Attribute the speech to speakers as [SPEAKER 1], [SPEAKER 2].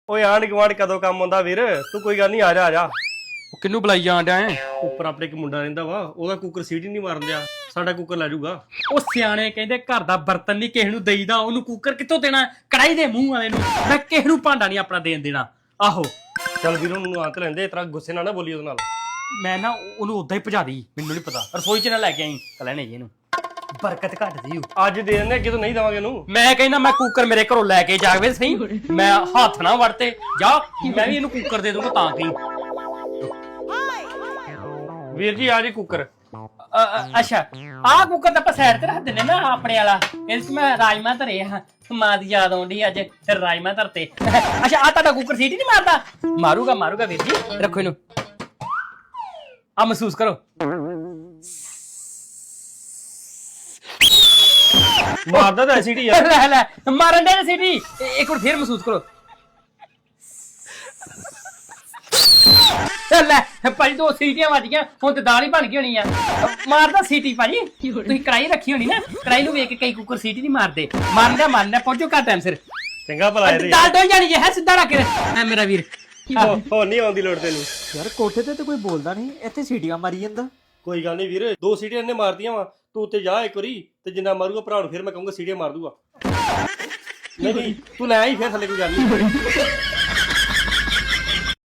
[SPEAKER 1] ਓਏ ਆਂਢ ਗੁਆਂਢ ਕਦੋਂ ਕੰਮ ਆਉਂਦਾ ਵੀਰ ਤੂੰ ਕੋਈ ਗੱਲ ਨਹੀਂ ਆ ਜਾ ਆ ਜਾ।
[SPEAKER 2] ਉਹ ਕਿਹਨੂੰ ਬੁਲਾਈ ਜਾਣ ਡਿਆ ਏ?
[SPEAKER 1] ਉੱਪਰ ਆਪਣੇ ਇੱਕ ਮੁੰਡਾ ਰਹਿੰਦਾ ਵਾ ਉਹਦਾ ਕੁੱਕਰ ਸੀਟੀ ਨਹੀਂ ਮਾਰਨ ਦਿਆ ਸਾਡਾ ਕੁੱਕਰ ਲੈ ਜਾਊਗਾ।
[SPEAKER 2] ਉਹ ਸਿਆਣੇ ਕਹਿੰਦੇ ਘਰ ਦਾ ਬਰਤਨ ਨਹੀਂ ਕਿਸੇ ਨੂੰ ਦੇਈਦਾ, ਉਹਨੂੰ ਕੁੱਕਰ ਕਿੱਥੋਂ ਦੇਣਾ? ਕੜਾਈ ਦੇ ਮੂੰਹ ਵਾਲੇ ਨੂੰ। ਮੈਂ ਕਿਸੇ ਨੂੰ ਭਾਂਡਾ ਨਹੀਂ ਆਪਣਾ ਦੇਣ ਦੇਣਾ। ਆਹੋ
[SPEAKER 1] ਚੱਲ ਵੀਰ ਉਹਨੂੰ ਆਂ ਤੇ ਲੈਂਦੇ ਇਸ ਤਰ੍ਹਾਂ ਗੁੱਸੇ ਨਾਲ ਨਾ ਬੋਲੀ ਉਹਦੇ ਨਾਲ।
[SPEAKER 2] ਮੈਂ ਨਾ ਉਹਨੂੰ ਉਦਾਂ ਹੀ ਭਜਾ ਦੀ, ਮੈਨੂੰ ਨਹੀਂ ਪਤਾ। ਰਸੋਈ 'ਚ ਨਾ ਲੈ ਕੇ ਆਈ ਕਲੈਣੇ ਜੀ ਇਹਨੂੰ, ਬਰਕਤ ਘੱਟ ਦੀ।
[SPEAKER 1] ਅੱਜ ਦੇ ਦਿੰਦੇ ਅੱਗੇ ਤੋਂ ਨਹੀਂ ਦੇਵਾਂਗੇ ਉਹਨੂੰ।
[SPEAKER 2] ਮੈਂ ਕਹਿੰਦਾ ਮੈਂ ਕੁੱਕਰ ਮੇਰੇ ਘਰੋਂ ਲੈ ਕੇ ਜਾਵੇ ਸਹੀ, ਮੈਂ ਹੱਥ ਨਾ ਵੜਤੇ ਜਾ, ਮੈਂ ਵੀ ਇਹਨੂੰ ਕੁੱਕਰ ਦੇ ਦੂੰਗਾ ਤਾਂ ਕੀ।
[SPEAKER 1] ਵੀਰ ਜੀ ਆ ਜੀ ਕੁੱਕਰ।
[SPEAKER 2] ਅੱਛਾ ਆਹ ਕੁੱਕਰ ਤਾਂ ਆਪਾਂ ਸਾਈਡ ਤੇ ਰੱਖ ਦਿੰਦੇ ਨਾ ਆਪਣੇ ਵਾਲਾ, ਇਹਦੇ 'ਚ ਮੈਂ ਰਾਜਮਾ ਧਰੇ ਆ, ਮਾਂ ਦੀ ਯਾਦ ਆਉਂਦੀ ਅੱਜ ਫਿਰ ਰਾਜਮਾ ਧਰਤੇ। ਅੱਛਾ ਆ ਤੁਹਾਡਾ ਕੁੱਕਰ ਸੀਟੀ ਨਹੀਂ ਮਾਰਦਾ? ਮਾਰੂਗਾ ਮਾਰੂਗਾ ਵੀਰ ਜੀ, ਰੱਖੋ ਇਹਨੂੰ। ਆ ਮਹਿਸੂਸ ਕਰੋ,
[SPEAKER 1] ਮਾਰਦਾ ਤਾਂ ਸੀਟੀ ਯਾਰ।
[SPEAKER 2] ਲੈ ਲੈ ਮਾਰਨ ਦੇ ਸੀਟੀ, ਇੱਕ ਵਾਰ ਫੇਰ ਮਹਿਸੂਸ ਕਰੋ। ਲੈ ਭਾਜੀ ਦੋ ਸੀਟੀਆਂ ਵੱਜ ਗਈਆਂ, ਹੁਣ ਤੇ ਦਾਲ ਹੀ ਬਣ ਗਈ ਹੋਣੀ ਆ। ਮਾਰਦਾ ਸੀਟੀ ਭਾਜੀ, ਤੁਸੀਂ ਕੜਾਈ ਰੱਖੀ ਹੋਣੀ ਨਾ, ਕੜਾਈ ਨੂੰ ਵੇਖ ਕੇ ਕਈ ਕੁੱਕਰ ਸੀਟੀ ਨਹੀਂ ਮਾਰਦੇ। ਮਾਰਨਾ ਪਹੁੰਚੋ ਘਰ ਟਾਈਮ ਸਿਰ।
[SPEAKER 1] ਚੰਗਾ ਭਲਾ ਇਹਦੇ
[SPEAKER 2] ਦਾਲ ਡੋਲ ਜਾਣੀ ਹੈ ਸਿੱਧਾ ਰੱਖ ਕੇ ਮੇਰਾ ਵੀਰ।
[SPEAKER 1] ਹੋ ਨਹੀਂ ਆਉਂਦੀ ਲੋੜ ਤੈਨੂੰ।
[SPEAKER 3] ਯਾਰ ਕੋਠੇ ਤੇ ਕੋਈ ਬੋਲਦਾ ਨਹੀਂ, ਇੱਥੇ ਸੀਟੀਆਂ ਮਾਰੀ ਜਾਂਦਾ।
[SPEAKER 1] ਕੋਈ ਗੱਲ ਨਹੀਂ ਵੀਰ, ਦੋ ਸੀਟੀਆਂ ਇਹਨੇ ਮਾਰਦੀਆਂ ਵਾ, ਤੂੰ ਉੱਤੇ ਜਾ ਇੱਕ ਵਾਰੀ ਤੇ ਜਿੰਨਾ ਮਾਰੂਗਾ ਭਰਾ ਨੂੰ ਫਿਰ ਮੈਂ ਕਹੂੰਗਾ ਸੀਟੀਆਂ ਮਾਰ ਦੂਗਾ। ਨਹੀਂ ਤੂੰ ਲੈ ਆਈ ਫਿਰ ਥੱਲੇ, ਕੋਈ ਗੱਲ ਨਹੀਂ।